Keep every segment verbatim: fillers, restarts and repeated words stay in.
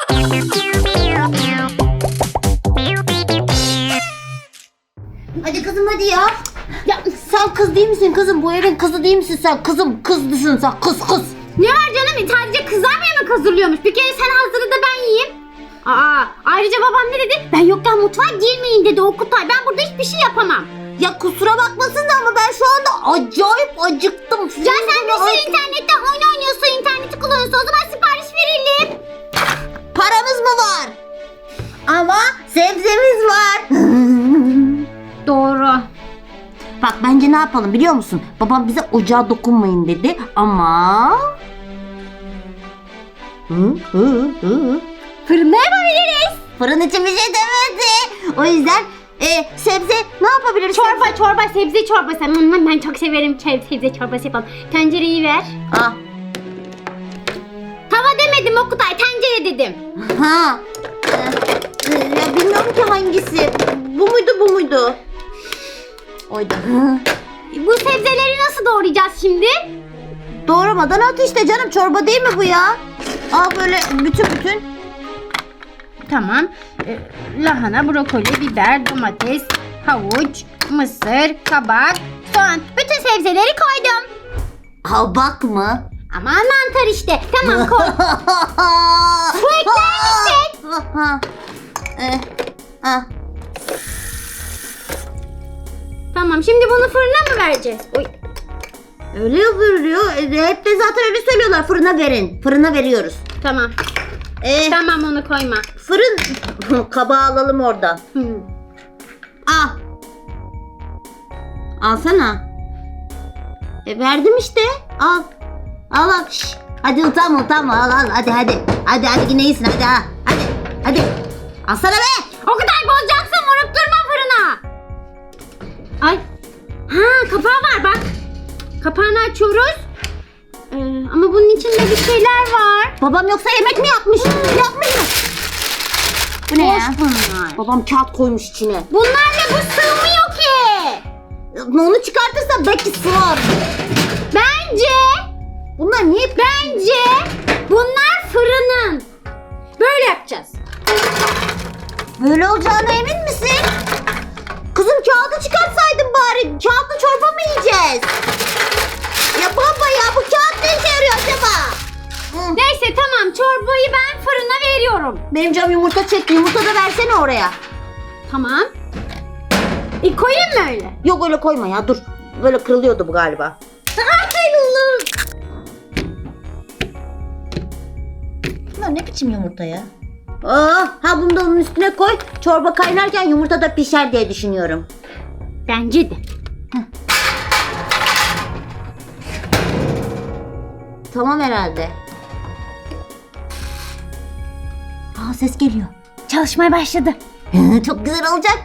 Hadi kızım hadi ya. Ya sen kız değil misin kızım? Bu evin kızı değil misin sen? Kızım kızlısın sen kız kız. Ne var canım? Sadece kızlar mı yemek hazırlıyormuş? Bir kere sen hazırla da ben yiyeyim. Aa, ayrıca babam ne dedi? Ben yokken mutfağa girmeyin dedi Okutay. Ben burada hiçbir şey yapamam. Ya kusura bakmasın da ama ben şu anda acayip acıktım. Ya sen bir sürü internetten oyun oynuyorsun, interneti kullanıyorsun. O zaman sipariş verelim. Paramız mı var? Ama sebzemiz var. Doğru. Bak bence ne yapalım biliyor musun? Babam bize ocağa dokunmayın dedi ama... Hı, hı, hı. Fırında yapabiliriz. Fırın için bir şey demedi. O yüzden e, sebze ne yapabiliriz? Çorba, çorba, sebze çorbası. Hmm, ben çok severim sebze çorbası yapalım. Tencereyi ver. Ah. Tava demedim Okutay, tencere dedim. Ha. Ee, ya bilmiyorum ki hangisi. Bu muydu bu muydu? Oydu. Bu sebzeleri nasıl doğrayacağız şimdi? Doğramadan at işte canım. Çorba değil mi bu ya? Al böyle bütün bütün. Tamam. Ee, lahana, brokoli, biber, domates, havuç, mısır, kabak, soğan. Bütün sebzeleri koydum. Kabak mı? Aman mantar işte. Tamam koy. Su ekler misin? Ha. Ee, ha. Tamam, şimdi bunu fırına mı vereceğiz? Oy. Öyle yapılıyor. E, hep de zaten öyle söylüyorlar. Fırına verin. Fırına veriyoruz. Tamam. Ee, Tamam, onu koyma. fırın kabağı alalım oradan. Hmm. Al. Alsana. E verdim işte. Al. Al al. Şş. Hadi utanma utanma. Al al. Hadi hadi. Hadi hadi yine iyisin. Hadi ha. Hadi. Hadi. Alsana be. O kadar bozacaksın, vurup durma fırına. Ay. Ha, kapağı var bak. Kapağını açıyoruz. Ee, ama bunun içinde bir şeyler var. Babam yoksa yemek mi yapmış? Yapmış mı? Bu ne Boş ya? bunlar. Babam kağıt koymuş içine. Bunlarla bu sığmıyor ki. Onu çıkartırsa belki sığar. Bence, Bunlar niye? bence bunlar fırının. Böyle yapacağız. Böyle olacağına emin misin? Kızım kağıdı çıkartsaydın bari. Kağıtlı çorba mı yiyeceğiz? Ya baba ya bu kağıt ne işe yarıyor acaba? Hı. Neyse tamam, çorbayı ben fırına veriyorum. Benim canım yumurta çekti. Yumurta da versene oraya. Tamam. E koyayım mı öyle? Yok öyle koyma ya dur. Böyle kırılıyordu bu galiba. Bunlar ne biçim yumurta ya? Aa, ha bunu da onun üstüne koy. Çorba kaynarken yumurta da pişer diye düşünüyorum. Bence de. Tamam herhalde. Aa ses geliyor. Çalışmaya başladı. Çok güzel olacak.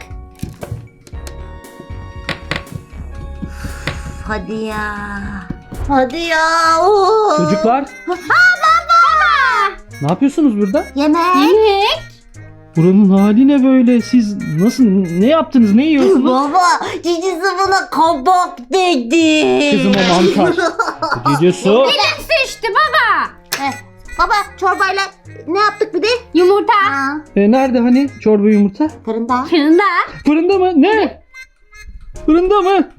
Üf, hadi ya. Hadi ya. Oo. Çocuklar, Baba. ne yapıyorsunuz burada? Yemek. Yemek. Buranın hali ne böyle? Siz nasıl, ne yaptınız, ne yiyorsunuz? Baba cicisi buna kabak dedi. Kızım o mantar. Gece su. Elim sıçtı baba. Heh, baba çorbayla ne yaptık bir de? Yumurta. Ha, E, nerede hani çorba yumurta? fırında. Fırında. Fırında mı? Ne? Fırında mı?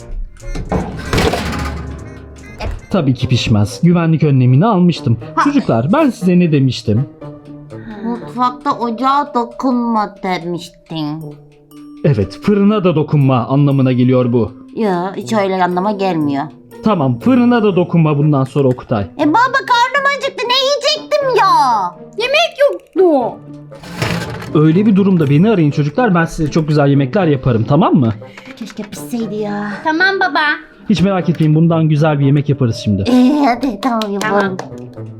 Tabii ki pişmez. Güvenlik önlemini almıştım. Çocuklar, ben size ne demiştim? Mutfakta ocağa dokunma demiştin. Evet, fırına da dokunma anlamına geliyor bu. Ya hiç öyle anlama gelmiyor. Tamam, fırına da dokunma bundan sonra Okutay. E baba karnım acıktı ne yiyecektim ya? Yemek yoktu. Öyle bir durumda beni arayın çocuklar. Ben size çok güzel yemekler yaparım, tamam mı? Keşke pişseydi ya. Tamam baba. Hiç merak etmeyin, bundan güzel bir yemek yaparız şimdi. Ee, hadi tamam yapalım.